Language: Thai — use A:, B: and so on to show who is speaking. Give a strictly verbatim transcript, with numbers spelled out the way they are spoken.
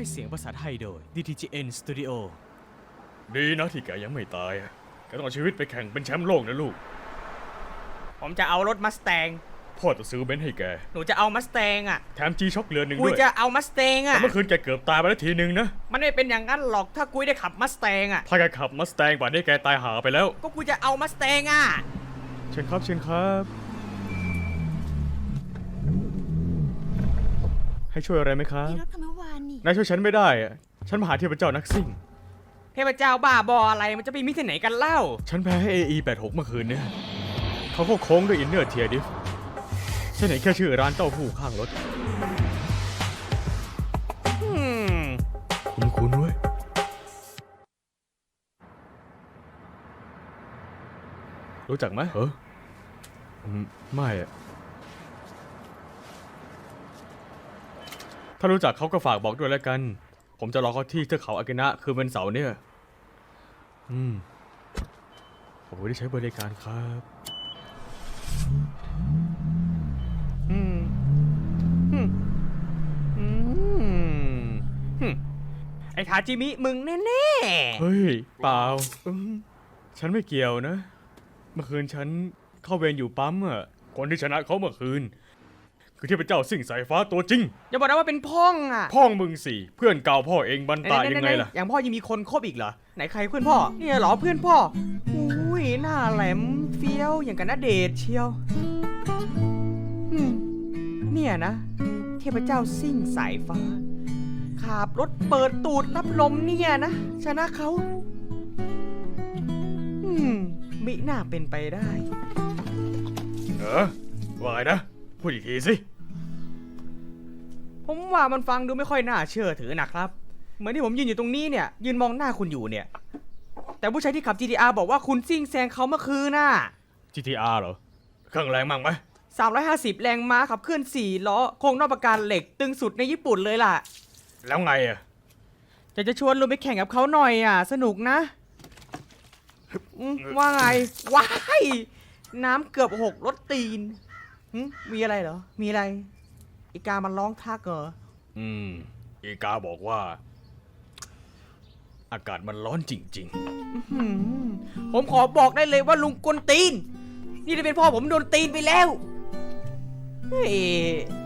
A: ให้เสียงภาษาไทยโดย ดี ที จี เอ็น Studio
B: ดีนะที่แกยังไม่ตายแกต้องเอาชีวิตไปแข่งเป็นแชมป์โลกนะลูก
A: ผมจะเอารถมัสแตง
B: พ่อจะซื้อเบนซ์ให้แก
A: หนูจะเอามัสแตงอ่ะ
B: แถมจีช็อคเรือนหนึ่ง
A: กุ
B: ด้วย ย
A: จะเอามัสแตง
B: แต่
A: อ่ะ
B: เมื่อคืนแกเกือบตายไปแล้วทีหนึ่งนะ
A: มันไม่เป็นอย่างนั้นหรอกถ้ากุยได้ขับมัสแตงอ่ะ
B: ถ้าแกขับมัสแตงป่านนี้แกตายหาไปแล้ว
A: ก็กุยจะเอามัสแตงอ่ะ
B: เชิญครับเชิญครับ ให้ช่วยอะไรไหมครับ
C: มีรถคันเมื่อวานนี่
B: นายช่วยฉันไม่ได้อะฉันมาหาเทพเจ้านักซิ่ง
A: เทพเจ้าบ้าบออะไรมันจะไปมิที่ไหนกันเล่า
B: ฉันแพ้ให้ เอ อี แปดหก เมื่อคืนเนี่ยเขาก็โค้งด้วยอินเนอร์เทียดิฟฉันเห็นแค่ชื่อร้านเต้าหู้ข้างรถ
A: อืม
B: คุณคุณเว้ยรู้จักไหมเอออืมไม่อะถ้ารู้จักเขาก็ฝากบอกด้วยแล้วกัน ผมจะรอเขาที่เทือกเขาอากินะคือวันเสาร์เนี่ย อืมขอบคุณที่ใช้บริการครับ
A: อืมอืมอืมอืมไอ้ทาจิมิมึงแน่
B: เฮ้ย เปล่าอืมฉันไม่เกี่ยวนะ เมื่อคืนฉันเข้าเวรอยู่ปั๊มอะคนที่ชนะเขาเมื่อคืน คือเทพเจ้าสิ่งสายฟ้าตัวจริง
A: ๆอย่าบอกนะว่าเป็นพ่องอ่ะ
B: พ่องมึงสี่เพื่อนเก่าพ่อเองบันตายยังไงล่ะ
A: อย่างพ่อยังมีคนคบอีกเหรอ ไหนใครเพื่อนพ่อ เนี่ยเหรอเพื่อนพ่อ อุ้ยหน้าแหลมเฟี้ยวอย่างกันนะเดชเชียวอืมเนี่ยนะ เทพเจ้าซิ่งสายฟ้าขับรถเปิดตูดรับลมเนี่ยนะชนะเขาอืมมิน่าเป็นไปได้
B: เออว่าไงนะ พูดอีกทีสิ
A: ผมว่ามันฟังดูไม่ค่อยน่าเชื่อถือนะครับ เหมือนที่ผมยืนอยู่ตรงนี้เนี่ย ยืนมองหน้าคุณอยู่เนี่ย แต่ผู้ชายที่ขับ จี ที อาร์ บอกว่าคุณซิ่งแซงเขาเมื่อคืนน่ะ
B: จี ที อาร์ เหรอ เครื่องแรงมั่งไหม
A: สามร้อยห้าสิบ แรงม้าขับเคลื่อนสี่ล้อโครงนอกประการเหล็กตึงสุดในญี่ปุ่นเลยล่ะ
B: แล้วไงอ่ะ
A: อยากจะชวนลงไปแข่งกับเขาหน่อยอ่ะ สนุกนะอืมว่าไง ว้าย น้ำเกือบหกรถตีนหึมีอะไรเหรอ มีอะไร อีกามันร้องทักเหรอ
B: อืม อีกาบอกว่า อากาศมันร้อนจริง
A: หืมผมขอบอกได้เลยว่าลุงกวนตีน นี่ได้เป็นพ่อผมโดนตีนไปแล้ว เฮ้ย